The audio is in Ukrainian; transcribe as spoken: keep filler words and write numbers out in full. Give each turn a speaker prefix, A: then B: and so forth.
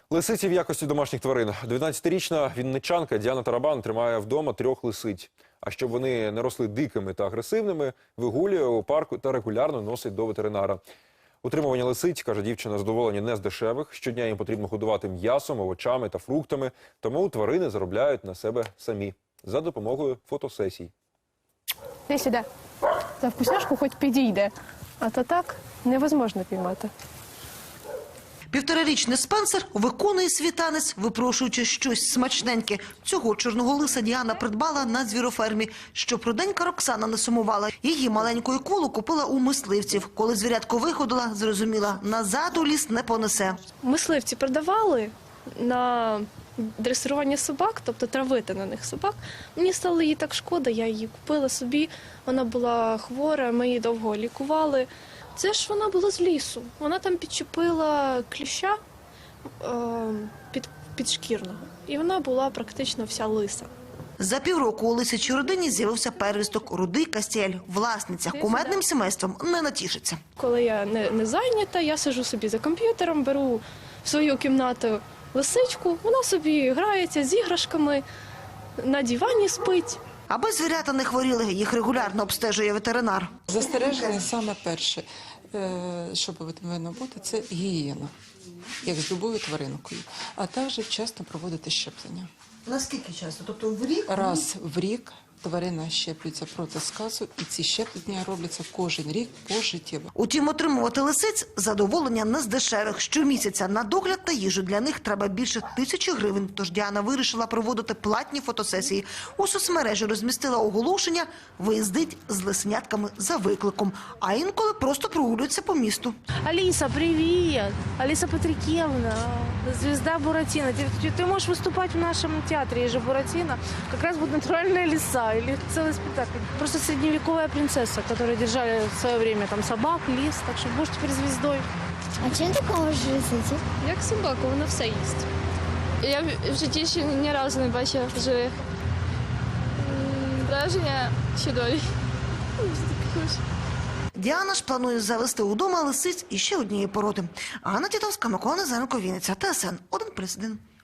A: Лисиці в якості домашніх тварин. дев'ятнадцятирічна вінничанка Діана Тарабан тримає вдома трьох лисиць. А щоб вони не росли дикими та агресивними, вигулює у парку та регулярно носить до ветеринара. Утримування лисиць, каже дівчина, задоволення не з дешевих. Щодня їм потрібно годувати м'ясом, овочами та фруктами, тому тварини заробляють на себе самі за допомогою фотосесій.
B: Іди сюди. За вкусняшку хоч підійде, а то так невозможно піймати.
C: Півторарічний Спенсер виконує свій танець, випрошуючи щось смачненьке. Цього чорного лиса Діана придбала на звірофермі. Щоб руденька Роксана не сумувала. Її маленьку Іколу купила у мисливців. Коли звірятко виходила, зрозуміла, назад у ліс не понесе.
B: Мисливці продавали на дресирування собак, тобто травити на них собак. Мені стало її так шкода, я її купила собі. Вона була хвора, ми її довго лікували. Це ж вона була з лісу. Вона там підчепила кліща е, під, підшкірного. І вона була практично вся лиса.
C: За півроку у лисячій родині з'явився первісток рудий Кастєль. Власниця кумедним сімейством не натішиться.
B: Коли я не, не зайнята, я сиджу собі за комп'ютером, беру в свою кімнату лисичку, вона собі грається з іграшками, на дивані спить.
C: Аби звірята не хворіли, їх регулярно обстежує ветеринар.
D: Застереження саме перше, що повинно бути, це гігієна, як з любою тваринкою, а також вчасно проводити щеплення.
C: Наскільки часто? Тобто в рік?
D: Раз в рік тварина щеплюється проти сказу, і ці щеплення робляться кожен рік пожиттєво.
C: Утім, отримувати лисиць – задоволення не з дешевих. Щомісяця на догляд та їжу для них треба більше тисячі гривень. Тож Діана вирішила проводити платні фотосесії. У соцмережі розмістила оголошення «Виїздить з лисенятками за викликом». А інколи просто прогулюється по місту.
E: Алиса, привет! Алиса Патрикевна, звезда Буратино. Ты, ты можешь выступать в нашем театре, есть же Буратино. Как раз будет натуральная лиса или целый спектакль. Просто средневековая принцесса, которую держали в свое время там собак, лис. Так что будешь теперь звездой.
F: А чим ти можеш лисиці?
G: Як собака, вона все їсть. Я в житті ще ні разу не бачила живих. М, Враження чудові.
C: Діана ж планує завести удома лисиць і ще однієї породи. Анна Тітовська, Микола Незаренко, Вінниця, ТСН один плюс один.